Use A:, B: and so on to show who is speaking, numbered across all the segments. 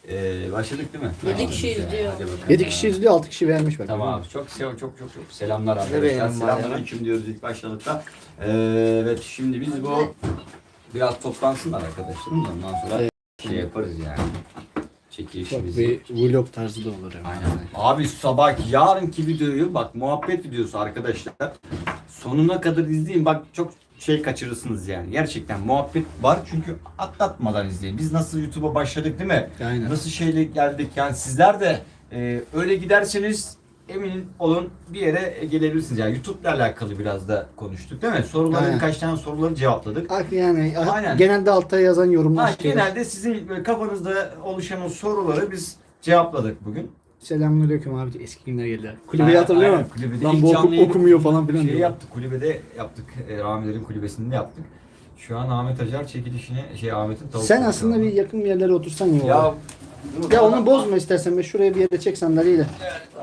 A: Başladık değil mi?
B: 7 kişi izliyor.
A: Hadi bakalım.
C: 7 kişi izliyor, 6 kişi beğenmiş bak.
A: Tamam abi. Çok selamlar arkadaşlar.
D: beğenin
A: Selamünaleyküm diyoruz ilk başladıkta. Evet şimdi biz bu biraz toplansınlar arkadaşlar. Ondan sonra şey yaparız yani.
C: Çok
A: Çekilişimizi.
C: bir vlog tarzı da olur yani.
A: Aynen. Abi sabah yarınki videoyu bak muhabbet videosu arkadaşlar. Sonuna kadar izleyin. Bak çok şey kaçırırsınız yani. Gerçekten muhabbet var çünkü atlatmadan izleyin. Biz nasıl YouTube'a başladık değil mi?
C: Aynen.
A: Nasıl şeyle geldik yani sizler de öyle giderseniz emin olun bir yere gelebilirsiniz. Yani YouTube'la alakalı biraz da konuştuk değil mi? Soruları
C: Aynen.
A: birkaç tane soruları cevapladık.
C: Yani
A: Aynen.
C: genelde altta yazan yorumlar
A: Ha, genelde sizin böyle kafanızda oluşan o soruları biz cevapladık bugün.
C: Selamünaleyküm abi, eski günler geldi. Kulübeyi hatırlıyor
A: Aynen,
C: musun?
A: kulübede
C: Lan
A: ilk
C: bu
A: canlı yayın-
C: okumuyor falan filan
A: Şey
C: diyor.
A: yaptık, kulübede yaptık. Ramilerin kulübesinde yaptık. Şu an Ahmet Acar çekilişini, Ahmet'in tavuk.
C: Sen aslında bir yakın bir yerlere otursan ya.
A: Ya,
C: Ya onu bozma istersen, ben şuraya bir yere çek sandalyeyi de.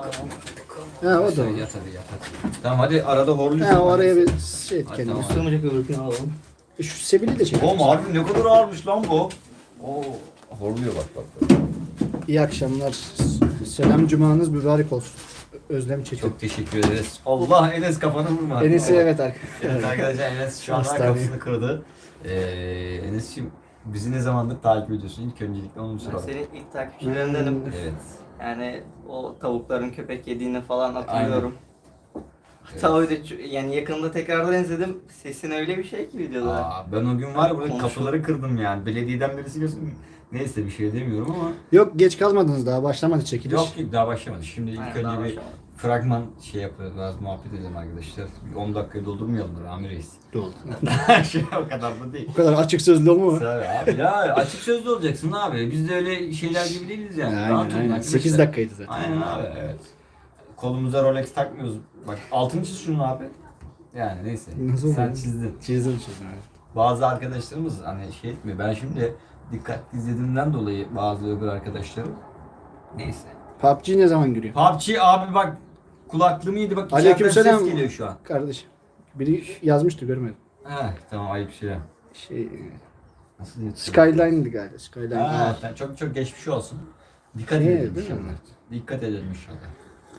C: Ha o da olur.
A: Yat hadi yat hadi. Tamam hadi arada horluyorsun.
C: Ha o araya bir şey et
A: Hadi
C: kendine.
A: tamam.
D: Sığmayacak öbürkünü alalım.
C: Şu Sebil'i de çek.
A: Oğlum harbi ne kadar ağırmış lan bu. Oo, horluyor bak.
C: İyi akşamlar. Selam cumanız mübarek olsun. Özlem Çetin.
A: Çok teşekkür ederiz. Allah Enes kafanı vurma.
C: Enes'i evet
A: Evet
C: arkadaşlar.
A: arkadaşlar Enes şu an
C: Hastane.
A: kafasını kırdı. Enes'ciğim bizi ne zamandır takip ediyorsun? İlk öncelikle onu
D: Ben
A: soralım.
D: senin ilk takipçilerindenim.
A: Evet.
D: Yani o tavukların köpek yediğini falan hatırlıyorum. Hatta öyle yani yakında tekrardan izledim. Sesin öyle bir şey ki videoda.
A: Aa, ben o gün var ya burada
D: Konuşalım.
A: kapıları kırdım yani. Belediyeden birisi görsün. Neyse bir şey demiyorum ama.
C: Yok geç kalmadınız daha, başlamadı çekiliş.
A: Yok daha başlamadı. Şimdi ilk
D: Aynen, daha
A: önce bir
D: başlamadı.
A: fragman şey yapıyoruz. Biraz muhabbet edelim arkadaşlar. Bir 10 dakikayı doldurmayalım da Rami Reis.
C: Oldu.
A: Şey o kadar da değil.
C: Bu kadar açık sözlü olma.
A: Tabii abi ya açık sözlü olacaksın abi. Biz de öyle şeyler gibi değiliz yani. Rahat olun
C: Aynen.
A: arkadaşlar.
C: 8 dakikaydı zaten.
A: Aynen abi evet. Kolumuza Rolex takmıyoruz. Bak altını çiz şunu abi. Yani neyse.
C: Nasıl
A: Sen
C: oldu?
A: çizdin.
C: Çizdim.
A: Bazı arkadaşlarımız hani şey etmiyor. Ben şimdi dikkatli izlediğimden dolayı bazı öbür arkadaşlarım. Neyse.
C: PUBG ne zaman giriyor?
A: PUBG abi bak kulaklığım iyiydi bak içeriden
C: Aleykümselam.
A: ses geliyor şu an.
C: Kardeşim. Biri yazmıştı görmedim.
A: He tamam ayıp şey.
C: Şey,
A: Nasıl diyeyim?
C: Skyline'di galiba. Skyline.
A: Ha, çok çok geçmiş olsun. Dikkat
C: İyi,
A: edelim
C: değil mi?
A: inşallah. Dikkat edelim inşallah.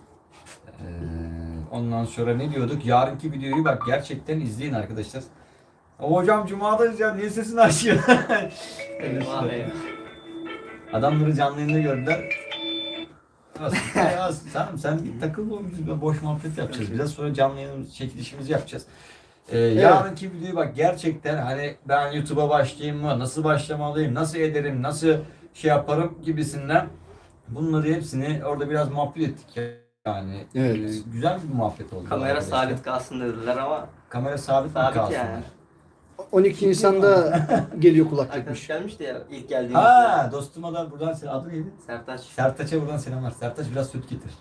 A: Ondan sonra ne diyorduk? Yarınki videoyu bak gerçekten izleyin arkadaşlar. Hocam Cuma'dayız ya niye sesini açıyor?
D: Vallahi.
A: Adamları canlı yayında gördüler. Ya, sen git takıl biz boş muhabbet yapacağız. Biraz sonra canlı yayın çekilişimizi yapacağız. Yarınki videoyu bak gerçekten hani ben YouTube'a başlayayım mı? Nasıl başlamalıyım? Nasıl ederim? Nasıl şey yaparım gibisinden. Bunları hepsini orada biraz muhabbet ettik yani.
C: Evet.
A: Güzel bir muhabbet oldu.
D: Kamera
A: arkadaşlar.
D: sabit kalsın dediler ama
A: Kamera sabit mi
D: sabit
A: kalsın?
D: yani.
C: 12 Nisan'da geliyor
D: Arkadaş
C: kulaklıkmış.
D: gelmişti ya ilk geldiğimizde.
A: Ha dostuma da buradan adı neydi?
D: Sertaç.
A: Sertaç'a buradan selamlar. Sertaç biraz süt getir.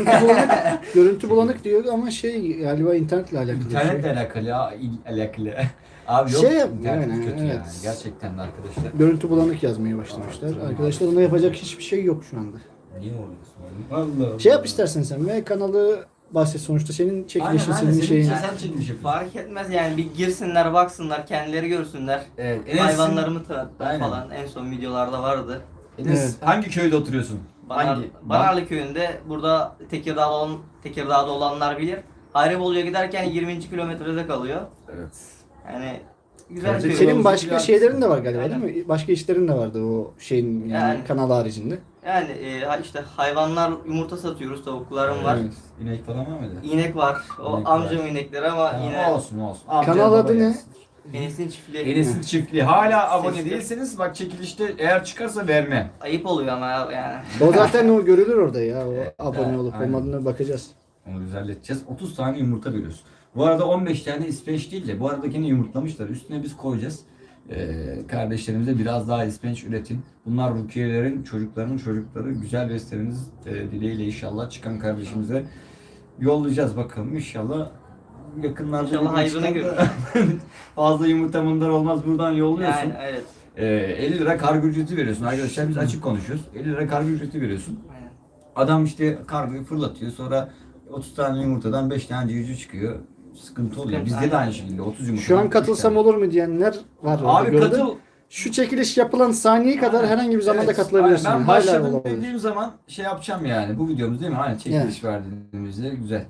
C: Görüntü bulanık diyor ama şey galiba internetle alakalı. bir şey.
A: İnternetle alakalı ya. Alakalı. Abi yok.
C: Şey yap-
A: internet
C: yani,
A: kötü
C: evet.
A: yani. Gerçekten de arkadaşlar.
C: Görüntü bulanık yazmaya başlamışlar. Arkadaşlar ona yapacak hiçbir şey yok şu anda.
A: Niye oluyorsun? Vallahi.
C: Şey yap istersen sen ve kanalı bahset, sonuçta senin çekilişin, senin şeyin.
A: Sen çekiliş yapıyorsun.
D: Fark etmez yani bir girsinler baksınlar kendileri görsünler.
A: Evet. Enes'in-
D: Hayvanlarımı tanıttım
A: Aynen.
D: falan en son videolarda vardı.
A: Enes
C: Evet.
A: hangi köyde oturuyorsun?
D: Banarlı köyünde burada Tekirdağ'da olanlar bilir. Hayribolu'ya giderken 20. kilometrede kalıyor.
A: Evet.
D: Yani güzel
A: Kardeşim,
D: köy.
C: Senin başka
A: biraz-
C: şeylerin de var galiba
D: Aynen.
C: değil mi? Başka işlerin de vardı o şeyin yani,
D: Yani.
C: kanal haricinde.
D: Yani işte hayvanlar yumurta satıyoruz, tavuklarım var.
A: Evet. İnek falan var mıydı?
D: İnek var. O
A: İnek
D: amcamın inekleri ama
A: Tamam,
D: yine
A: olsun. Amca
C: Kanal
A: baba
C: adı ne?
A: gelsin.
D: Enes'in çiftliği.
A: Enes'in çiftliği. Hala abone
D: Sesli.
A: değilseniz bak çekilişte eğer çıkarsa verme.
D: Ayıp oluyor ama yani.
C: O zaten o görülür orada ya. O abone
A: evet,
C: olup
A: aynen.
C: olmadığına bakacağız.
A: Onu düzelteceğiz. 30 tane yumurta veriyoruz. Bu arada 15 tane ispenç değil de bu aradakini yumurtlamışlar. Üstüne biz koyacağız. Kardeşlerimize biraz daha ispenç üretin. Bunlar Rukiye'lerin çocuklarının çocukları. Güzel besleriniz dileğiyle inşallah çıkan kardeşimize yollayacağız bakalım. İnşallah yakınlarda
D: İnşallah hayrına
A: çıkan da-
D: görür.
A: Fazla yumurta bunlar olmaz. Buradan yolluyorsun.
D: Yani evet.
A: 50 lira kargo ücreti veriyorsun arkadaşlar. Biz açık konuşuyoruz. 50 lira kargo ücreti veriyorsun.
D: Aynen.
A: Adam işte kargoyu fırlatıyor. Sonra 30 tane yumurtadan 5 tane civciv çıkıyor. Sıkıntı oluyor.
D: Sıkıntı,
A: Bizde de
D: aynen.
A: aynı şekilde 30 yumurtadan
C: Şu an
A: 3
C: katılsam
A: tane.
C: olur mu diyenler var. orada,
A: Abi
C: gördün.
A: katıl.
C: Şu çekiliş yapılan saniye kadar herhangi bir zamanda
A: Evet,
C: katılabilirsin.
A: aynen. Ben
C: Hala
A: başladım
C: olabilir.
A: dediğim zaman şey yapacağım yani. Bu videomuz değil mi? Aynen çekiliş verdiğimizde güzel.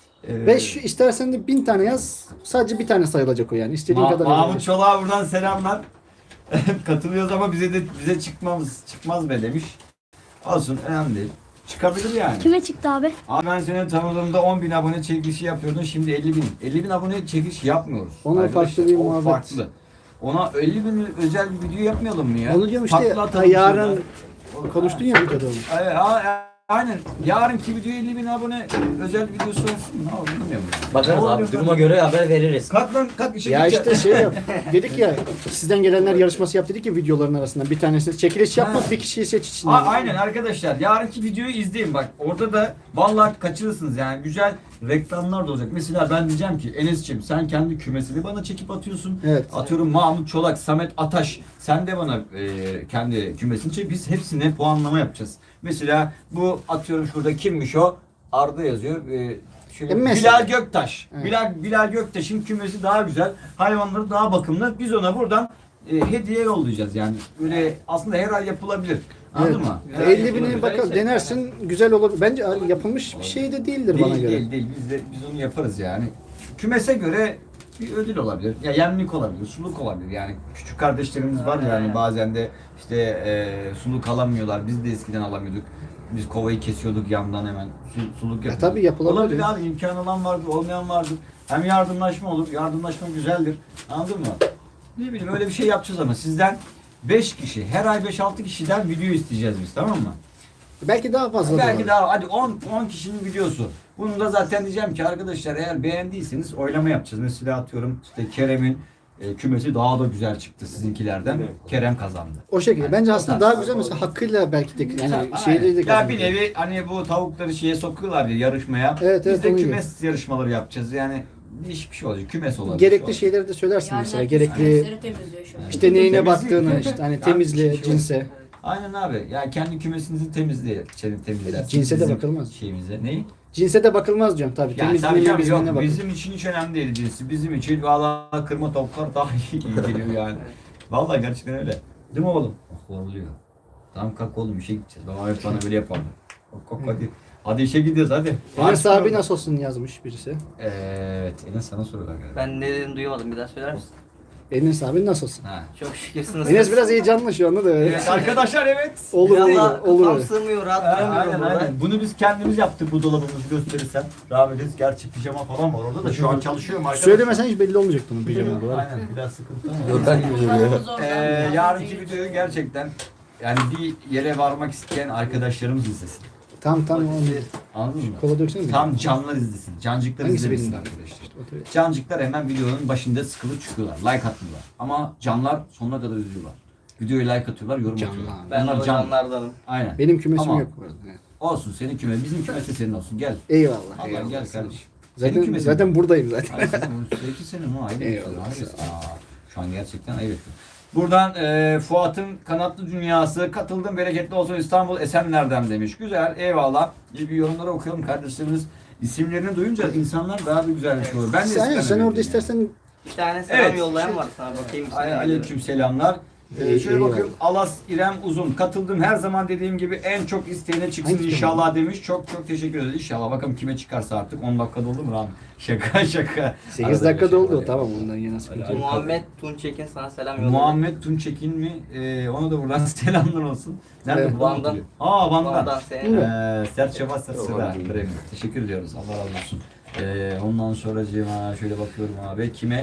C: Ve şu, istersen de 1000 tane yaz. Sadece bir tane sayılacak o yani. İstediğin kadar.
A: Mahmut
C: yazabilirsin.
A: Çolak'a buradan selamlar. Katılıyoruz ama bize çıkmaz be demiş. Olsun önemli değil. Çıkabilir yani.
B: Kime çıktı abi?
A: Abi ben seni tanıdığımda 10.000 abone çekilişi yapıyordun, şimdi 50.000. 50.000 abone çekiliş yapmıyoruz.
C: Ona
A: Arkadaşlar,
C: farklı bir
A: o
C: muhabbet.
A: farklı. Ona 50.000 özel bir video yapmayalım mı ya?
C: Onu diyorum işte.
A: Patlatalım
C: Yarın
A: şurada.
C: konuştun ya videoda onu.
A: Aynen. Yarınki video 50.000 abone özel videosu olsun. Ne olur bilmiyorum.
E: Bakarız
A: Ne
E: abi.
A: oluyor
E: Duruma
A: lan?
E: göre haber veririz.
A: Kalk lan kalk işe
C: Ya
A: gideceğiz.
C: işte şey yap. Dedik ya sizden gelenler yarışması yap dedik ya videoların arasından. Bir tanesini çekiliş yapmak
A: Ha.
C: bir kişiyi seç içinden.
A: Aynen arkadaşlar. Yarınki videoyu izleyin bak. Orada da vallahi kaçırırsınız yani. Güzel reklamlar da olacak. Mesela ben diyeceğim ki Enes'ciğim sen kendi kümesini bana çekip atıyorsun.
C: Evet.
A: Atıyorum Mahmut Çolak, Samet Ataş. Sen de bana kendi kümesini çek. Biz hepsine puanlama yapacağız. Mesela bu atıyorum şurada kimmiş o? Arda yazıyor. Şöyle
C: Mesela.
A: Bilal Göktaş.
C: Evet.
A: Bilal Göktaş'ın kümesi daha güzel. Hayvanları daha bakımlı. Biz ona buradan hediye yollayacağız yani. Böyle aslında her ay yapılabilir. Anladın
C: Evet.
A: mı?
D: Güzel
C: 50
D: yapılır,
C: bini
D: güzel
C: bakalım
D: şey.
C: denersin güzel olur. Bence yapılmış bir şey de değildir bana göre.
A: Değil. Biz onu yaparız yani. Kümese göre bir ödül olabilir. Ya yemlik olabilir, suluk olabilir. Yani küçük kardeşlerimiz var yani
D: Aynen.
A: bazen de işte suluk alamıyorlar. Biz de eskiden alamıyorduk. Biz kovayı kesiyorduk yandan hemen. Suluk yapıyorduk.
C: tabii yapılabilir.
A: Olabilir abi. İmkan olan vardır, olmayan vardır. Hem yardımlaşma olur. Yardımlaşma güzeldir. Anladın mı? Ne bileyim öyle bir şey yapacağız ama sizden 5 kişi, her ay 5-6 kişiden video isteyeceğiz biz, tamam mı?
C: Belki daha fazla da
A: Belki
C: var.
A: daha hadi 10 kişinin videosu. Bunu da zaten diyeceğim ki arkadaşlar eğer beğendiyseniz oylama yapacağız. Mesela atıyorum işte Kerem'in kümesi daha da güzel çıktı sizinkilerden. Kerem kazandı.
C: O şekilde.
A: Yani
C: Bence
A: o
C: aslında
A: tarz.
C: daha güzel mesela hakkıyla belki de yani
A: Aynen.
C: şeyleri de
A: Ya
C: kazanır.
A: bir nevi hani bu tavukları şeye sokuyorlar ya yarışmaya.
C: Evet,
A: Biz
C: evet,
A: de
C: onu
A: kümes yarışmaları yapacağız. Yani değişik bir şey olacak. Kümes olacak.
C: Gerekli şeyleri de söylersin mesela. Gerekli
B: temizliyor şu an.
C: işte neyine
A: Temizlik.
C: baktığını işte hani
A: Yani
C: temizliğe,
A: şey
C: cinse.
A: Aynen abi. Yani kendi kümesinizi temizler.
C: Cinse de bakılmaz.
A: Şeyimize. Neyi?
C: Cinse de bakılmaz diyorum tabii.
A: Yani tabii
C: Temizliğine,
A: canım,
C: temizliğine
A: yok,
C: bakılır.
A: bizim için hiç önemli değil cinsi. Bizim için valla kırma tavuklar daha iyi geliyor yani. Valla gerçekten öyle. Değil mi oğlum? Horluyor. Tamam kalk oğlum işe gideceğiz. Baba hep bana böyle yapardı. Kalk hadi. Hadi işe gidiyoruz hadi.
C: Enes abi nasıl olsun yazmış birisi.
A: Evet. Enes sana soruyorlar galiba.
D: Ben ne dedim duyamadım, bir daha söyler misin?
C: Enes abi nasıl olsun.
A: Ha.
D: Çok şükürsünüz.
C: Enes biraz heyecanlı şu anda da öyle.
A: Evet arkadaşlar evet.
C: Olur
D: Biraz
C: olur
D: daha
C: olur.
D: kafam
C: öyle.
D: sığmıyor, rahat
A: Aynen,
D: duramıyorum burada.
A: aynen. Bunu biz kendimiz yaptık bu dolabımızı gösterirsem. Rahmetiniz gerçi pijama falan var orada da şu an çalışıyorum arkadaşlar.
C: Söylemesen hiç belli olmayacak bunun pijama olarak.
A: Aynen biraz sıkıntı ama.
E: Yorgan gibi duruyor.
A: Yarınki videoyu gerçekten yani bir yere varmak isteyen arkadaşlarımız izlesin.
C: Tam onu.
A: Anladın mı?
C: Kola döksene mi?
A: Tam canlar izlesin. Cancıklar
C: Hangisi
A: izlemesin
C: benim?
A: arkadaşlar.
C: Otur.
A: Cancıklar hemen videonun başında sıkılıp çıkıyorlar. Like atmıyorlar. Ama canlar sonuna kadar izliyorlar. Videoya like atıyorlar, yorum
C: Canlar.
A: atıyorlar.
D: Ben
A: Onlar
D: o
A: can.
D: canlardanım.
A: Aynen.
C: Benim kümesim
A: Ama-
C: yok bu arada. Evet.
A: Olsun senin küme. Bizim kümesi senin olsun. Gel.
C: Eyvallah.
A: Allah
C: eyvallah.
A: gel kardeşim. Senin
C: Zaten,
A: kümesin
C: zaten
A: mi?
C: buradayım zaten.
A: Ay senin 2 sene mi? Ayıp
C: Eyvallah,
A: ediyorsun.
C: sağ ol.
A: Şu an gerçekten ayıp ediyorsun. Buradan Fuat'ın kanatlı dünyası katıldım bereketli olsun İstanbul Esenler'den demiş. Güzel eyvallah. İyi bir yorumları okuyalım kardeşlerimiz. İsimlerini duyunca insanlar daha bir güzelmiş olur. Ben de
C: Sen
A: eskiden
C: orada
A: öyleydim
C: istersen
D: Bir tane selam
A: Evet.
D: yollayan var sana, bakayım.
A: yani. Aleyküm selamlar. Şöyle
C: eyvallah.
A: bakıyorum Alas İrem Uzun katıldım her zaman dediğim gibi en çok isteyene çıksın
C: Hangi
A: inşallah demiş. Çok teşekkür ederiz. İnşallah bakalım kime çıkarsa artık 10 dakika doldu mu Rami? Şaka.
C: 8
A: Arada
C: dakika
A: bir şey
C: doldu
A: var.
C: tamam ondan yana sıkıntı yok.
D: Muhammed Tunçekin sana selam yolladı.
A: Muhammed Tunçekin mi? Ona da buradan selamlar olsun. Nerede
C: Evet,
A: bu? Van'dan.
D: Van'dan.
A: Van'dan.
D: Van'dan senin.
A: Sert Şabas Sıra. Teşekkür ediyoruz. Allah razı olsun. Ondan sonra şöyle bakıyorum abi. Kime?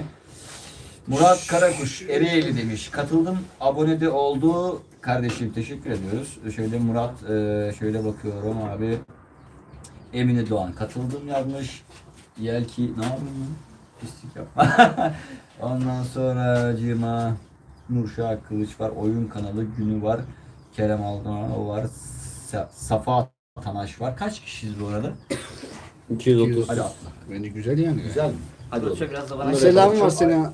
A: Murat Karakuş Ereğli demiş. Katıldım. Abone de oldu. Kardeşim teşekkür ediyoruz. Şöyle Murat şöyle bakıyorum abi. Emine Doğan katıldım yazmış. Yelki ne yapayım lan? Pislik yapma. Ondan sonra Cima Nurşah Kılıç var. Oyun kanalı günü var. Kerem Aldan var. Safa Tanaş var. Kaç kişiyiz bu arada?
E: 230.
A: Hadi atla.
C: Bence güzel yani.
A: Güzel mi? Hadi
D: Dur,
A: oğlum.
D: biraz da bana
C: Selam var sana.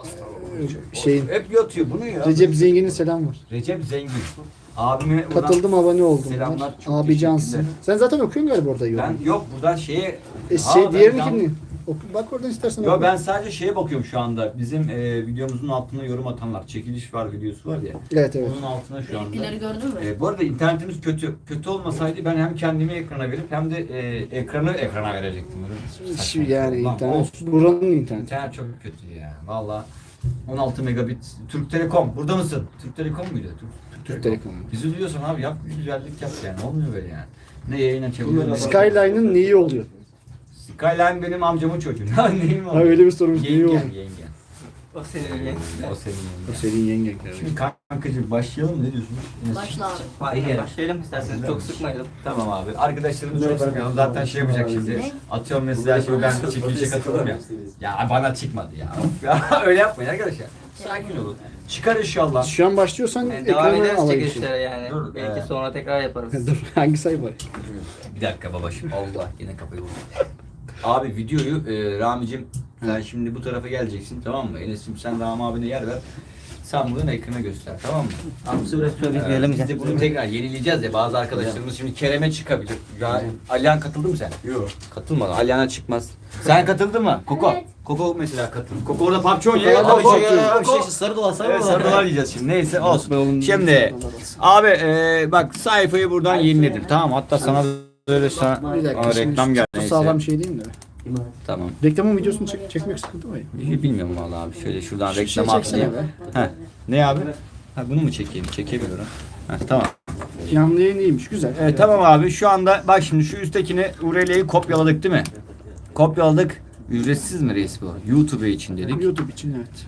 C: Şeyin.
A: Hep yatıyor bunu ya.
C: Recep Zengin'in selam var.
A: Recep Zengin. Abime buradan
C: Katıldım abone oldum.
A: selamlar, çok
C: Abi cansın.
A: teşekkürler.
C: Sen zaten okuyorsun galiba orada yorum.
A: Ben yok buradan şeye...
C: Şey
A: ben
C: diğerini
A: can-
C: kimdi? Bak oradan istersen.
A: Yo
C: oku.
A: ben sadece şeye bakıyorum şu anda. Bizim videomuzun altına yorum atanlar. Çekiliş var videosu var ya.
C: Evet evet.
A: Onun altına şu anda.
B: Benimkileri gördün mü?
A: Bu arada internetimiz kötü. Kötü olmasaydı ben hem kendimi ekrana verip hem de ekrana verecektim. Böyle
C: Şu
A: saçma.
C: yani
A: Lan
C: internet.
A: olsun.
C: Buranın interneti.
A: İnternet çok kötü ya. Valla 16 megabit. Türk Telekom. Burada mısın? Türk Telekom muydu?
C: Türk Telekom.
A: Bizi duyuyorsan abi yap bir güzellik yap yani. Olmuyor böyle yani. Ne yayın açabiliyorum.
C: Skyline'ın neyi oluyor?
A: Skyline benim amcamın çocuğu. Neyim
C: Ha öyle bir sorumuz neyi oluyor?
A: Yengen.
D: O senin yengen.
A: O senin
C: O
A: yengen.
C: senin yengen.
A: Şimdi kankacığım başlayalım mı? Ne diyorsunuz?
B: Başla abi.
D: Başlayalım isterseniz. Çok sıkmayalım.
A: Tamam abi. Arkadaşlarımız çok sıkıyorum. Zaten şey yapacak şimdi.
B: Ne?
A: Atıyorum mesela şimdi ben çekilişe katıldım ya. Ya bana çıkmadı ya. Of ya öyle yapmayın arkadaşlar. Sakin olun. Çıkar inşallah.
C: Şu an başlıyorsan
D: Yani devam
C: ekrana
D: ederiz
C: alayım.
D: çekilişlere yani.
A: Dur,
D: Belki sonra tekrar yaparız.
C: Dur hangi sayfa?
A: Bir dakika babacığım. Allah yine kafayı vurdu. Abi videoyu Rami'cim sen şimdi bu tarafa geleceksin tamam mı? Enes'cim sen Rami abine yer ver. Sen buradan ekrana göster tamam mı?
D: Hamsi biraz
A: Biz de bunu tekrar yenileyeceğiz ya bazı arkadaşlarımız şimdi Kerem'e çıkabilir. Ya Alihan katıldı mı sen? Yok. Katılmadı. Alihan'a çıkmaz. Sen katıldın mı? Koko.
B: Evet.
A: Koko mesela katıldı. Koko orada PUBG oynuyor.
C: Koko
A: Abi,
C: PUBG
A: Koko.
E: sarı dolar
A: Evet sarılar yiyeceğiz şimdi. Neyse olsun.
C: Oğlum,
A: Şimdi abi bak sayfayı buradan yeniledim. Tamam hatta sana böyle
C: Bir dakika.
A: Aa,
C: şimdi
A: reklam
C: şu
A: geldi.
C: çok
A: Neyse.
C: sağlam şey değil mi?
A: Tamam.
C: Reklamın videosunu çekmek sıkıntı mı?
A: Bilmiyorum vallahi abi. Şöyle şuradan
C: Şu
A: reklam
C: şey çeksene
A: atlayayım.
C: be.
A: Heh. Ne abi? Ha bunu mu çekeyim? Çekemiyorum. Heh, tamam.
C: Canlı yayın iyiymiş güzel.
A: Evet tamam abi şu anda bak şimdi şu üsttekini URL'yi kopyaladık değil mi? Kopyaladık. Ücretsiz mi reis bu? YouTube için dedik.
C: YouTube için evet.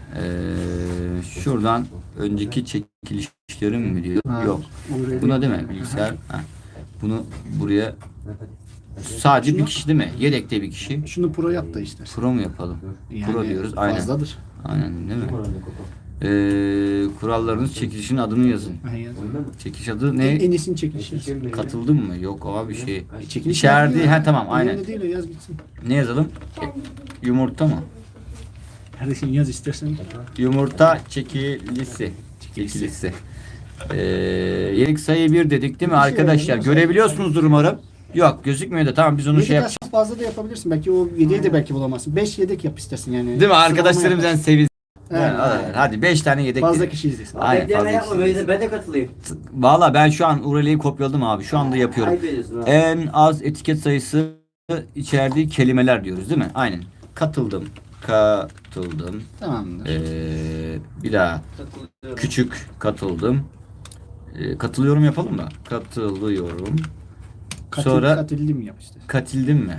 A: Şuradan önceki çekilişlerim mi diyor?
C: Ha,
A: Yok.
C: URL.
A: Buna değil mi? Bilgisayar. Ha. Bunu buraya sadece bir kişi değil mi? Yedekte bir kişi.
C: Şunu pro yap da istersen.
A: Pro mu yapalım? Pro diyoruz. Aynen.
C: Fazladır.
A: Aynen değil mi? Kurallarınız çekilişin adını yazın.
C: Aynen.
A: Çekiliş adı
C: En
A: ne?
C: iyisini çekilişi.
A: Katıldın mı? Yok abi şey.
C: Çekiliş
A: İçeride
C: yapıyor.
A: ha tamam aynen.
C: Önemli değil o yaz gitsin.
A: Ne yazalım? Yumurta mı?
C: Kardeşim yaz istersen.
A: Yumurta çekilisi. Çekilisi. Yenik sayı 1 dedik değil mi arkadaşlar? Görebiliyorsunuzdur umarım. Yok gözükmüyor da tamam biz onu şey
C: Yedek
A: yapacağız.
C: aslında fazla da yapabilirsin. Belki o 7'ye de belki bulamazsın. 5 yedek yap istersin yani.
A: Değil mi? Arkadaşlarımız yani sevin.
C: Evet.
A: Hadi 5 tane yedek.
C: Fazla
A: dedik.
C: kişi izlesin.
A: Aynen fazla.
E: Ben de katılayım.
A: Valla ben şu an URL'yi kopyaladım abi. Şu anda yapıyorum.
E: Ayıp ediyorsun ha.
A: En az etiket sayısı içerdiği kelimeler diyoruz değil mi? Aynen. Katıldım. Katıldım.
C: Tamamdır.
A: Bir daha. Küçük katıldım. Katılıyorum yapalım mı? Katılıyorum. Sonra
C: Katilli mi yap istersen.
A: katildim mi?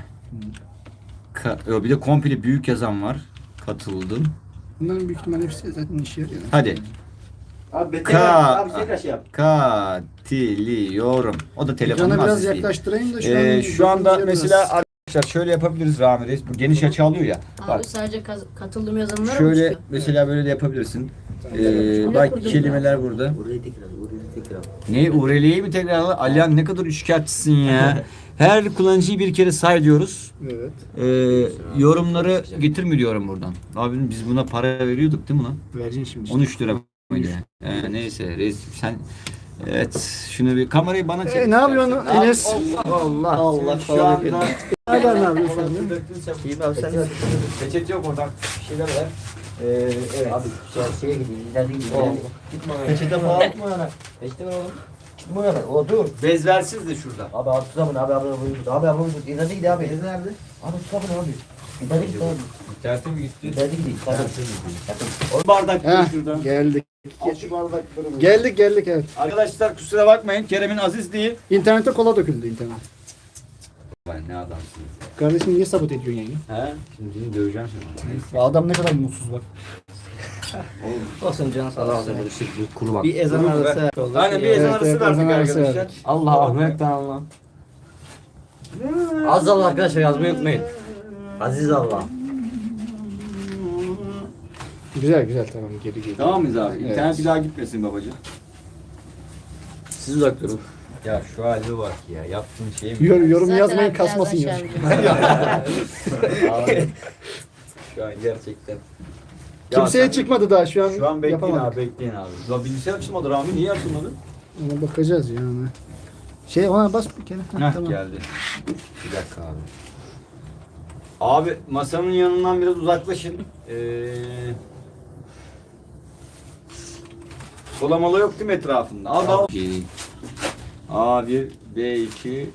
A: Bir de komple büyük yazan var. Katıldım.
C: Bunların büyük ihtimalle hepsi zaten işe yarıyor.
A: Hadi.
E: Abi
A: Ka-
E: abi tekrar şey yap.
A: Katılıyorum. O da telefonun
C: Ekrana biraz
A: azizliği.
C: yaklaştırayım da
A: Şu anda
C: biraz-
A: mesela arkadaşlar şöyle yapabiliriz Rami Reis. Bu geniş açı alıyor ya. Bak
B: Abi sadece katıldım yazanlara mı
A: şöyle
B: çıkıyor?
A: mesela böyle de yapabilirsin. Bak kelimeler burada.
E: Burayı tekrar.
A: Ne URL'yi mi tekrar al? Alihan ne kadar üçkağıtçısın ya. Her kullanıcıyı bir kere say diyoruz.
C: Evet.
A: Yorumları getirmiyor diyorum buradan. Abi biz buna para veriyorduk değil mi lan?
C: Vereceksin şimdi. işte.
A: 13 lira mıydı? Neyse reis sen evet şunu bir kamerayı bana çek.
C: Ne yapıyorsun Enes?
E: Allah.
D: Allah
A: Şu
D: falan
A: anda
D: yapıyor.
C: Hala ne yapıyorsun sen?
D: İyi abi sen de.
A: peçete yok oradan bir şeyler ver. Evet.
E: Abi şeye gideyim. İleride gideyim.
D: Peçete falan.
E: Peşte ver oğlum. Gitme ya. O dur.
A: Bezversiz de şurada.
E: Abi tutamın abi abi tut. İleride gidi abi. İleride nerede? Abi tutamın abi. İleride gidi abi.
A: İnternete mi gitti?
E: İleride gidi.
A: O bardak
C: Heh,
A: şurada.
C: geldik.
E: Al şu bardakları.
C: Geldik evet.
A: Arkadaşlar kusura bakmayın Kerem'in azizliği.
C: İnternete kola döküldü internet.
A: Vay ne adamsın.
C: Kardeşim niye sabote ediyorsun yayını?
A: He? Şimdi seni döveceğim şimdi.
C: Adam ne kadar mutsuz bak.
D: Olsun canın sağ olsun.
E: Kuru bak.
D: Bir ezan arası.
A: Aynen bir ezan
C: Evet,
A: arası
C: evet,
A: verdik
C: ezan arası
A: arkadaşlar.
C: verdik.
E: Allah Ahmet'ten Allah. Az Allah arkadaşlar yazmayı unutmayın. Aziz Allah.
C: Güzel güzel tamam geri geri.
A: Tamam mıyız abi?
C: Evet.
A: İnternet bir daha gitmesin babacığım.
E: Siz uzak durun.
A: Ya şu halde bak ya yaptığın şey mi?
C: Yorum
B: Zaten
C: yazmayın
B: abi
C: kasmasın
B: birazdan
C: ya.
B: şey yapacağım.
A: Abi, şu an gerçekten. Ya
C: Kimseye
A: sen-
C: çıkmadı daha şu an.
A: Şu an bekleyin
C: yapamadık.
A: abi bekleyin abi. Ya bilgisayar açılmadı Rami niye açılmadı?
C: Ona bakacağız yani. Ona bas bir kere.
A: Heh
C: Tamam.
A: geldi. Bir dakika abi. Abi masanın yanından biraz uzaklaşın. Solamalı yok değil mi etrafında? Al. A1, B2,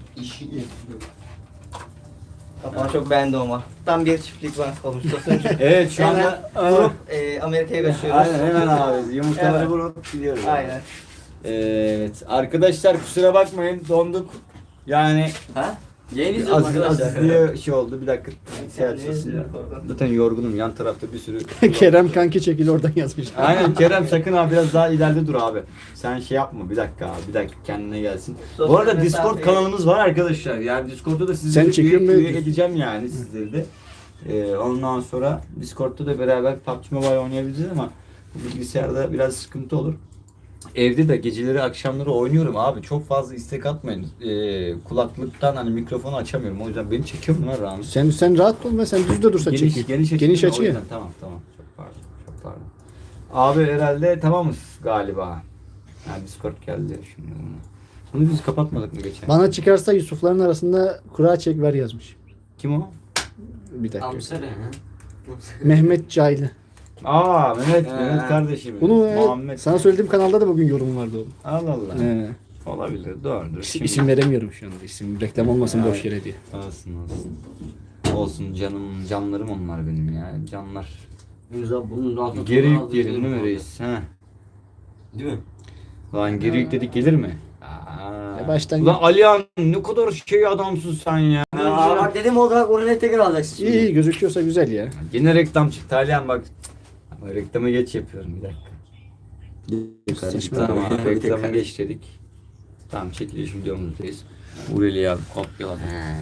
D: Kapağı çok beğendim ama. Tam bir çiftlik bank olmuş.
A: Evet şu
D: Hemen
A: anda
D: vurup Amerika'ya kaçıyoruz.
A: aynen hemen abi yumurtaları
D: Evet.
A: vurup gidiyoruz.
D: Aynen.
A: Evet arkadaşlar kusura bakmayın donduk. Yani
E: Ha? Yeni
A: az diye şey oldu bir dakika. Şey açılsın. Zaten yorgunum yan tarafta bir sürü.
C: Kerem kanki çekil oradan yazmış.
A: Aynen Kerem sakın abi biraz daha ileride dur abi. Sen şey yapma bir dakika abi bir dakika kendine gelsin. Bu arada Discord kanalımız var arkadaşlar. Yani Discord'da da
C: Sen
A: sizleri
C: çekiyor
A: üye
C: muydun?
A: edeceğim yani sizleri de. Ondan sonra Discord'da da beraber PUBG Mobile oynayabileceğiz ama bu bilgisayarda biraz sıkıntı olur. Evde de geceleri akşamları oynuyorum abi. Çok fazla istek atmayın. Kulaklıktan hani mikrofonu açamıyorum. O yüzden beni çekiyor mu lan Ramiz?
C: Sen rahat ol be, sen düzde dursa çekil. Geniş
A: açı.
C: açı ya.
A: Tamam. Çok pardon. Abi herhalde tamamız galiba. Yani Discord geldi şimdi. Bunu biz kapatmadık mı geçen?
C: Bana çıkarsa Yusufların arasında kura çek ver yazmış.
A: Kim o?
C: Bir dakika.
E: Amsere ha?
C: Mehmet Caylı.
A: Aa Mehmet kardeşim.
C: Bunu
A: Muhammed.
C: sana söylediğim kanalda da bugün yorum vardı oğlum.
A: Allah Allah.
C: He.
A: Olabilir doğrudur.
C: İsim veremiyorum şu anda. İsim reklam olmasın boş yere diye.
A: Olsun. Olsun canlarım onlar benim ya. Canlar.
E: Bunun altına
A: Geri
E: tutan
A: yükleyelim
E: aldım,
A: değil mi
E: aldım.
A: reis? He.
E: Değil mi?
A: Lan geri yükledik gelir mi? Aa.
C: Baştan
A: Ulan Alihan ne kadar şey adamsın sen ya.
E: Aa, bak dedim o kadar oraya tekrar alacaksın
C: iyi iyi gözüküyorsa güzel ya.
A: Yine reklam çıktı Alihan bak. Ama reklamı geç yapıyorum bir dakika.
C: Seçme
A: Tamam
C: abi.
A: abi reklamı geç dedik. Tamam çekiliş videomuzdayız. Ureli abi kopyaladık.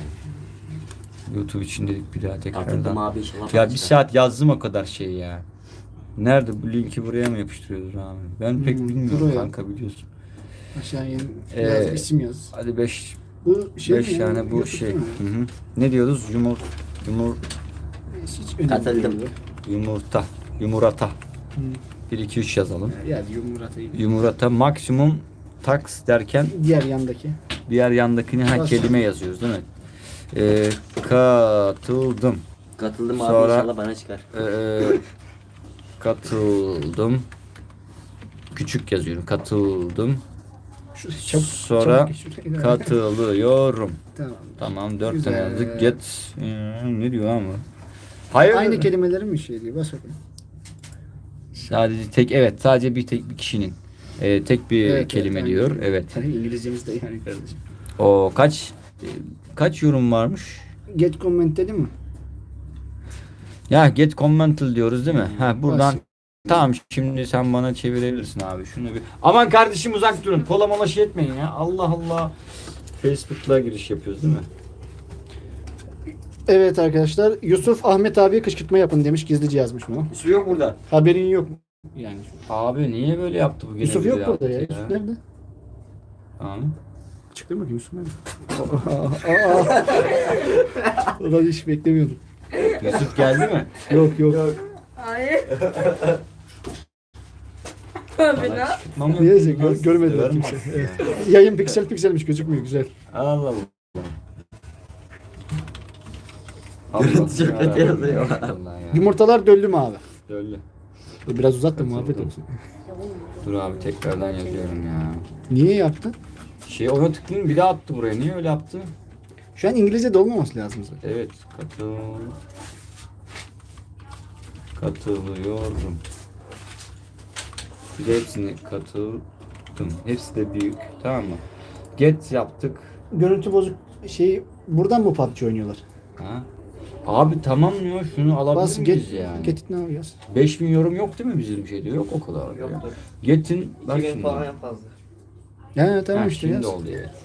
A: YouTube için dedik bir daha
E: Atıldım
A: tekrardan.
E: abi inşallah.
A: Ya bir saat yazdım o kadar şey ya. Nerede bu linki buraya mı yapıştırıyoruz abi? Ben pek bilmiyorum
C: buraya.
A: kanka biliyorsun.
C: Aşağıya
A: Ee,
C: yaz, isim yaz.
A: Hadi 5
C: Bu şey
A: 5
C: mi ya?
A: tane bu
C: YouTube
A: şey.
C: değil mi?
A: Hı hı. Ne diyoruz?
C: Hiç önemli
E: Katıldım.
C: değil.
A: Yumurta.
C: Hı.
A: 1 2 3 yazalım.
C: Ya yumurtayı.
A: Yumurta maksimum tax derken
C: Diğer yandaki.
A: diğer yandakini
C: Nasıl?
A: kelime yazıyoruz değil mi? Katıldım.
E: Katıldım abi
A: Sonra-
E: inşallah bana çıkar.
A: Katıldım. Küçük yazıyorum. Katıldım.
C: Çabuk,
A: Sonra
C: çabuk geç şuraya.
A: katılıyorum.
C: Tamam.
A: Tamam 4
C: Güzel.
A: tane yazdık. Get ne diyor ama? Hayır.
C: Aynı kelimelerin mi şey diyor? Bas bakalım.
A: Sadece sadece bir kişinin tek bir
C: Evet,
A: kelime
C: evet,
A: diyor.
C: aynen.
A: Evet.
C: İngilizcemiz de yani kardeşim.
A: O kaç yorum varmış?
C: Get comment dedi mi?
A: Ya get commental diyoruz değil mi? Ha buradan
C: Bas.
A: tamam şimdi sen bana çevirebilirsin abi. Şunu bir. Aman kardeşim uzak durun. Kola mola şey etmeyin ya. Allah Allah. Facebook'la giriş yapıyoruz değil mi?
C: Evet arkadaşlar. Yusuf Ahmet abiye kışkırtma yapın demiş. Gizlice yazmış bunu.
A: Su yok burada.
C: Haberin yok. Yani.
A: Abi niye böyle yaptı bu gene
C: Yusuf
A: bize
C: yok burada ya.
A: yaptı
C: Yusuf nerede?
A: Tamam.
C: Çıktı bakayım Yusuf nerede? Ulan hiç beklemiyordum.
A: Yusuf geldi mi?
C: Yok yok.
B: Hayır. Abi ne?
A: Çıkmam yok.
C: Neyse
A: Nasıl
C: görmediler
A: severim
C: kimse.
A: aslında.
C: Evet. Yayın pikselmiş gözükmüyor güzel.
A: Allah Allah.
E: Görüntü çok kötü yazıyor.
A: Allah ya.
C: Yumurtalar döllü mü abi?
A: Öyle.
C: Dur, biraz uzat da muhabbet olsun.
A: Dur abi tekrardan yazıyorum ya.
C: Niye yaptın?
A: Ona tıklayayım bir daha attı buraya. Niye öyle yaptı?
C: Şu an İngilizce olmaması lazım zaten.
A: Evet katılıyorum. Bir de hepsini katıldım. Hepsi de büyük. Tamam mı? Get yaptık.
C: Görüntü bozuk buradan mı PUBG oynuyorlar?
A: Ha? Abi tamam ya şunu alabilir
C: Bas
A: miyiz
C: get,
A: yani?
C: get it now yaz.
A: 5000 yorum yok değil mi bizim şeyde? Yok o kadar. Ya.
D: Yoktur.
A: Get'in bak
D: 2000
A: şimdi.
D: falan en fazla.
C: Ya tamam
A: Ha,
C: işte
A: şimdi
C: yaz.
A: oldu evet.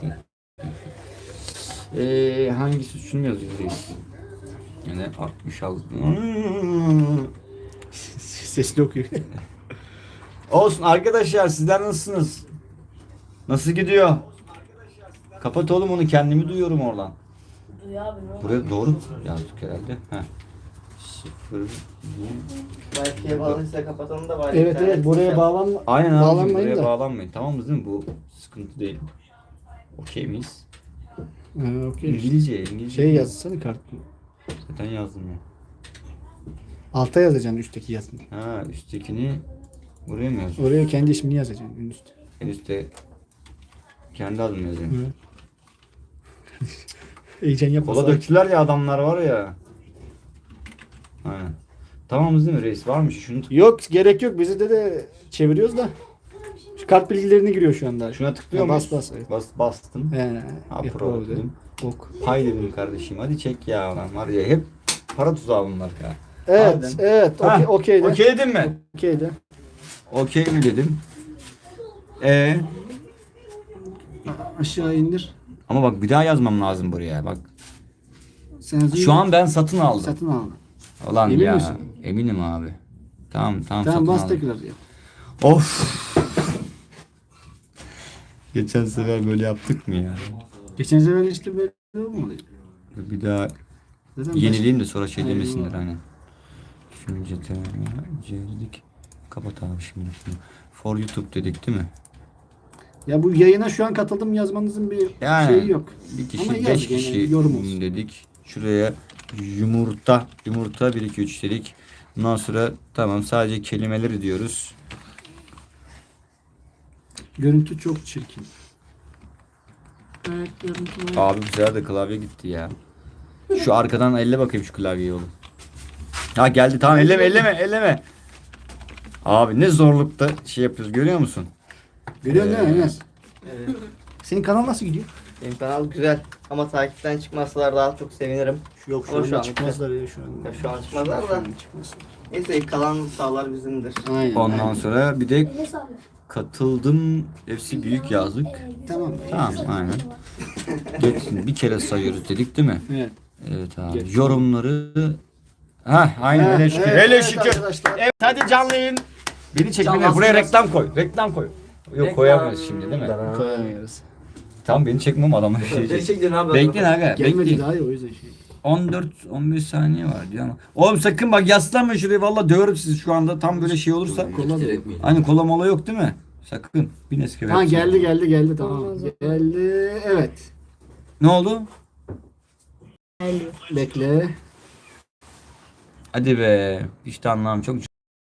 A: Hangisi şunu yazıyoruz? Yani 66.
C: Sesli okuyor.
A: Olsun arkadaşlar sizler nasılsınız? Nasıl gidiyor? Kapat oğlum onu kendimi duyuyorum oradan.
B: Duy abi ne oldu?
A: Buraya doğru yazdık herhalde. Heh. 0
D: Wi-Fi'ye bağlıysa kapatalım da bari.
C: Evet
D: internet
C: evet buraya
D: çıkar.
C: bağlanma.
A: Aynen abi
C: Bağlanmayın
A: buraya
C: da.
A: bağlanmayın. Tamamız değil mi? Bu sıkıntı değil. Okey miyiz?
C: Okey.
A: İngilizce.
C: Şey yazsana kart.
A: Zaten yazdım ya.
C: Alta yazacaksın üstteki yazını.
A: Ha üsttekini buraya mı yazdım?
C: Oraya kendi ismini yazacaksın en üstte.
A: En üstte kendi adımı yazıyorum.
C: Heyecan yapma.
A: Kola döktüler ya adamlar var ya. Aynen. Tamamız değil mi reis? Varmış şunu
C: Yok gerek yok. Bizde de çeviriyoruz da. Şu kart bilgilerini giriyor şu anda.
A: şuna tıklıyor
C: Ya,
A: muyuz?
C: bas. Evet.
A: Bastım.
C: He.
A: Pro dedim.
C: Ok.
A: Pay dedim kardeşim. Hadi çek ya lan var ya hep para tuzağı bunlar ya.
C: Evet,
A: Harbiden.
C: evet.
A: Ha,
C: Okey de.
A: Okey dedim mi?
C: Okey de.
A: Okey mi dedim.
C: Aşağı indir.
A: Ama bak bir daha yazmam lazım buraya. Bak
C: Sen
A: şu an ben satın aldım.
C: satın al.
A: Ulan
C: Emin
A: ya.
C: misin?
A: Eminim abi. Tamam
C: Tamam
A: satın
C: bas
A: aldım.
C: tekrar yap.
A: Of. Geçen sefer böyle yaptık mı ya?
C: Geçen sefer işte böyle olmadı.
A: Bir daha
C: Zaten
A: yenileyim de sonra şey
C: Aynen.
A: demesinler hani. Şimdi dedik. Kapat abi şimdi şunu. For YouTube dedik değil mi?
C: Ya bu yayına şu an katıldım yazmanızın bir
A: Yani
C: şeyi yok.
A: bir
C: Ama
A: kişi,
C: yaz
A: 5
C: gene,
A: kişi
C: yorum olsun.
A: dedik. Şuraya yumurta 1 2 3 dedik. Ondan sonra tamam sadece kelimeleri diyoruz.
C: Görüntü çok çirkin.
B: Evet görüntü var.
A: Abi bu sefer de klavye gitti ya. Şu arkadan elle bakayım şu klavyeyi oğlum. Ha geldi tamam elleme. Abi ne zorlukta şey yapıyoruz görüyor musun?
C: Görüyorsun değil mi Enes?
D: Evet.
C: Senin kanal nasıl gidiyor?
D: Benim kanal güzel ama takipten çıkmasalar daha çok sevinirim.
C: Yok
D: Ama şu an
C: çıkmazlar ya şu an.
D: Ya şu an çıkmazlar da.
C: Şu an çıkmaz.
D: Neyse kalan sağlar bizimdir.
C: Aynen.
A: Ondan sonra bir de katıldım hepsi büyük yazdık.
C: Tamam.
A: Tamam aynen. Geçsin bir kere sayıyoruz dedik değil mi?
C: Evet.
A: Evet abi.
C: Geç.
A: Yorumları aynen hele şükür.
C: Evet,
A: hele
C: evet
A: şükür.
C: arkadaşlar.
A: Evet hadi canlı yayın. Beni çekmene
D: Canlansın
A: buraya
D: biraz.
A: reklam koy. Reklam koy. Yok koyamayız şimdi değil mi?
C: Koyamıyoruz.
A: Tam beni çekmem adamlar şey.
D: Gerçekten abi.
A: Bekleyin aga.
C: Gelmedi
A: Bekleyin.
C: daha iyi o yüzden şey.
A: 14-15 saniye var diyor ama. Oğlum sakın bak yaslanmayın şuraya valla döverim sizi şu anda tam böyle şey olursa.
C: Kola da yok.
A: Hani kola mola yok değil mi? Sakın. Bir Nescafe.
C: Ha
A: yapsın.
C: geldi tamam.
B: Olmaz.
C: Geldi evet.
A: Ne oldu?
B: Geliyor.
C: Bekle.
A: Hadi be. İşte anlamam çok.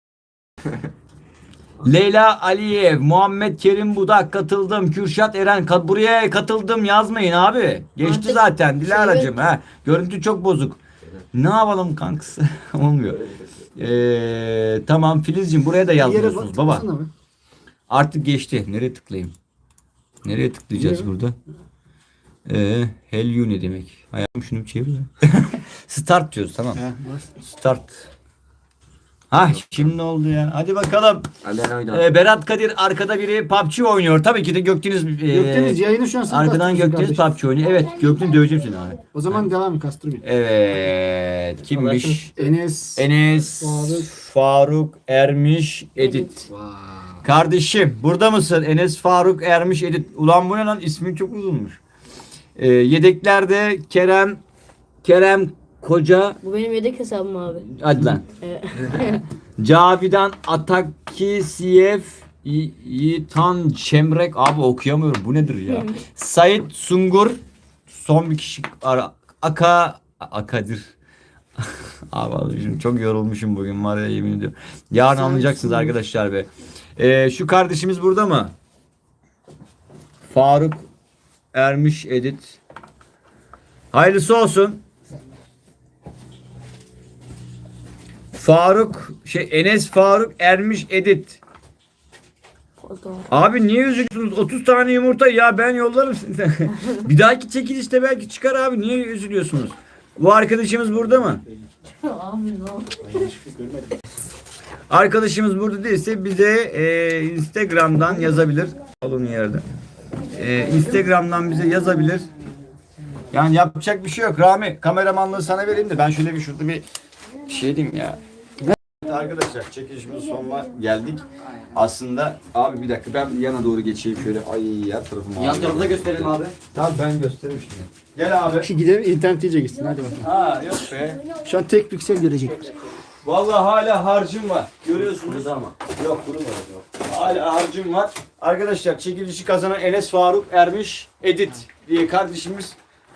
A: Leyla Aliyev, Muhammed Kerim Budak katıldım. Kürşat Eren buraya katıldım yazmayın abi. Geçti
B: Artık
A: zaten Dilara'cığım
B: şey
A: ha. Görüntü çok bozuk. Ne yapalım kankası? Olmuyor. Tamam Filizciğim buraya da
C: Bir yere
A: yazmıyorsunuz baba.
C: baksana be.
A: Artık geçti. Nereye tıklayayım? Nereye tıklayacağız
C: Nereye?
A: burada? Hell you ne demek? Ayağım şunu bir çevir ya. Start diyoruz tamam.
C: Ha, bas.
A: Start. Ha şimdi oldu ya. Hadi bakalım. Berat Kadir arkada biri PUBG oynuyor. Tabii ki de Gökdeniz
C: Gökdeniz yayını şu an sen
A: arkadan
C: bastırıyorsun
A: Gökdeniz
C: kardeşim.
A: PUBG oynuyor. Evet Gökdeniz döveceğim seni abi.
C: O zaman devam et kastır beni.
A: Evet. Kimmiş?
C: Enes.
A: Enes Faruk Ermiş Edit.
C: Vay.
A: Kardeşim burada mısın? Enes Faruk Ermiş Edit. Ulan bu ne lan? İsmin çok uzunmuş. Yedeklerde Kerem Koca.
B: Bu benim yedek hesabım abi.
A: Hadi lan.
B: Evet.
A: Cavidan Atakisiyev Yiğitan Çemrek abi okuyamıyorum bu nedir ya? Sait Sungur son bir kişi Akadir abi şimdi çok yorulmuşum bugün var ya yemin ediyorum. Yarın
C: Sait
A: anlayacaksınız
C: Sungur.
A: arkadaşlar be. Şu kardeşimiz burada mı? Faruk Ermiş Edit. Hayırlısı olsun. Enes Faruk Ermiş Edit.
B: Fotoğraf.
A: Abi niye üzülüyorsunuz? 30 tane yumurta ya ben yollarım size. Bir dahaki çekilişte belki çıkar abi. Niye üzülüyorsunuz? Bu arkadaşımız burada mı?
B: Abi ne oldu?
A: Arkadaşımız burada değilse bize Instagram'dan yazabilir. Alın yerde. Instagram'dan bize yazabilir. Yani yapacak bir şey yok. Rami kameramanlığı sana vereyim de ben şöyle bir şurada bir şey diyeyim ya. Arkadaşlar çekilişimizin sonuna geldik. Aslında abi bir dakika ben yana doğru geçeyim şöyle. Ay ya tarafım
E: Yan tarafı da gösterelim abi.
A: Tamam ben göstereyim şimdi. Gel abi.
C: Ki gidelim internet iyice gitsin hadi bakalım.
A: Ha yok be.
C: Şu an tek piksel görecekler.
A: Vallahi hala harcım var. Görüyorsunuz.
E: Burada ama.
A: Yok kurumadı yok. Hala harcım var. Arkadaşlar çekilişi kazanan Enes Faruk Ermiş Edit diye kardeşimiz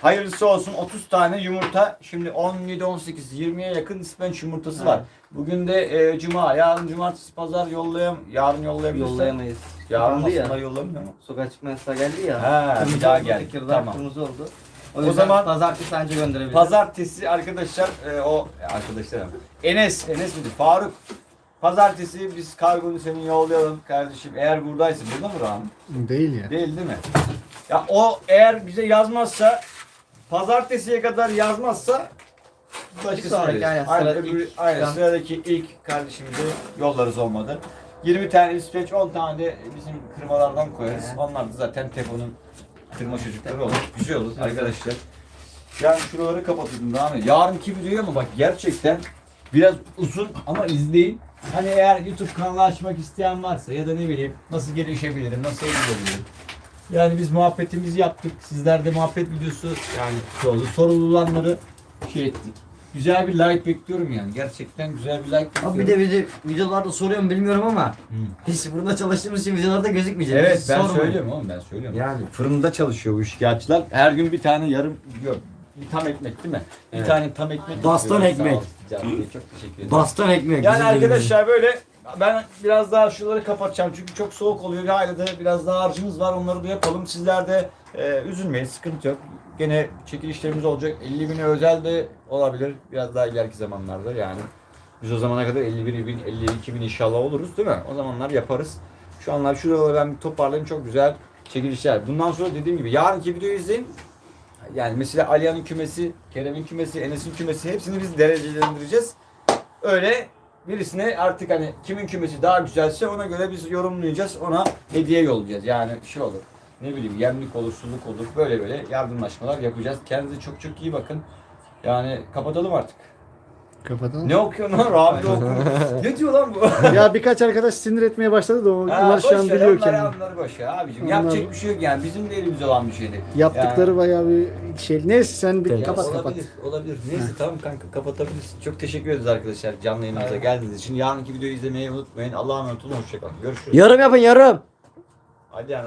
A: Hayırlısı olsun 30 tane yumurta. Şimdi 17, 18, 20'ye yakın ispenç yumurtası var. Bugün de cuma, yarın cumartesi, pazar yarın yollayabilirsen.
D: Yollayamayız.
A: Yarın
D: Kapandı ya.
A: aslında yollamıyor mu?
D: Sokağa çıkma yasağı geldi ya.
A: Ha,
D: Kırmızı
A: bir daha
D: oldu,
A: geldi.
D: Tekirdağ
A: Tamam.
D: kırmızı oldu. O,
A: O
D: yüzden
A: zaman
D: pazartesi anca gönderebiliriz.
A: Pazartesi arkadaşlar arkadaşlarım. Enes miydi? Faruk. Pazartesi biz kargonu senin yollayalım kardeşim. Eğer buradaysa burada mı Rahmi?
C: Değil ya.
A: Değil mi? Ya o eğer bize yazmazsa pazartesiye kadar yazmazsa başkasına
D: sonraki,
A: veririz.
D: aynen,
A: Aynen,
D: çıkan-
A: sıradaki ilk kardeşimize yollarız olmadı. 20 tane ispeç, 10 tane de bizim kırmalardan koyarız. Onlar da zaten Tepo'nun kırma çocukları olur. Güzel olur arkadaşlar. Yani şuraları kapatayım daha mı? Yarınki videoya mı bak gerçekten biraz uzun ama izleyin. Hani eğer YouTube kanalı açmak isteyen varsa ya da ne bileyim nasıl gelişebilirim, nasıl edebilirim. Yani biz muhabbetimizi yaptık. Sizler de muhabbet videosu yani oldu. Sorulanları şey ettik. Güzel bir like bekliyorum yani. Gerçekten güzel bir like bekliyorum.
E: Abi bir de videolarda soruyorum bilmiyorum ama biz burada çalıştığımız için videolarda gözükmeyecek.
A: Evet
E: Biz
A: ben
E: sormayın.
A: söylüyorum oğlum ben söylüyorum.
E: Yani.
A: Fırında çalışıyor bu şikayetçiler. Her gün bir tane yarım yok. Bir tam ekmek değil mi? Bir
E: Evet.
A: tane tam ekmek.
E: Baston
A: yapıyorlar.
E: ekmek.
A: Sağ olsun Can Bey, çok teşekkür ederim.
E: Baston ekmek.
A: Yani
E: bizim
A: arkadaşlar böyle ben biraz daha şuraları kapatacağım çünkü çok soğuk oluyor. Hala da biraz daha harcımız var. Onları da yapalım. Sizler de üzülmeyin. Sıkıntı yok. Gene çekilişlerimiz olacak. 50.000'e özel de olabilir. Biraz daha ileriki zamanlarda yani. Biz o zamana kadar 51.000, 52.000 inşallah oluruz değil mi? O zamanlar yaparız. Şu anlar şuraları ben bir toparlayayım. Çok güzel çekilişler. Bundan sonra dediğim gibi yarınki videoyu izleyin. Yani mesela Aliyan'ın kümesi, Kerem'in kümesi, Enes'in kümesi hepsini biz derecelendireceğiz. Öyle birisine artık hani kimin kümesi daha güzelse ona göre biz yorumlayacağız. Ona hediye yollayacağız. Yani şey olur. Ne bileyim yemlik olur, suluk olur. Böyle yardımlaşmalar yapacağız. Kendinize çok çok iyi bakın. Yani kapatalım artık.
C: Kapatalım.
A: Ne okuyorsun lan? Rabi de okuyor. Ne diyor lan bu?
C: Ya birkaç arkadaş sinir etmeye başladı da onlar şu an biliyor kendini.
A: Onları boş ver abicim.
C: Onlar-
A: Yapacak bir şey yok yani. Bizim de elimizde olan bir şeydi.
C: Yaptıkları bayağı bir şey. Neyse sen bir
A: Ya
C: kapat.
A: olabilir. Neyse tamam kanka kapatabilirsin. Çok teşekkür ederiz arkadaşlar canlı yayınımıza geldiğiniz için. Yarınki videoyu izlemeyi unutmayın. Allah'a emanet olun. Hoşçakalın. Görüşürüz.
E: Yorum yapın yorum.
A: Hadi yani.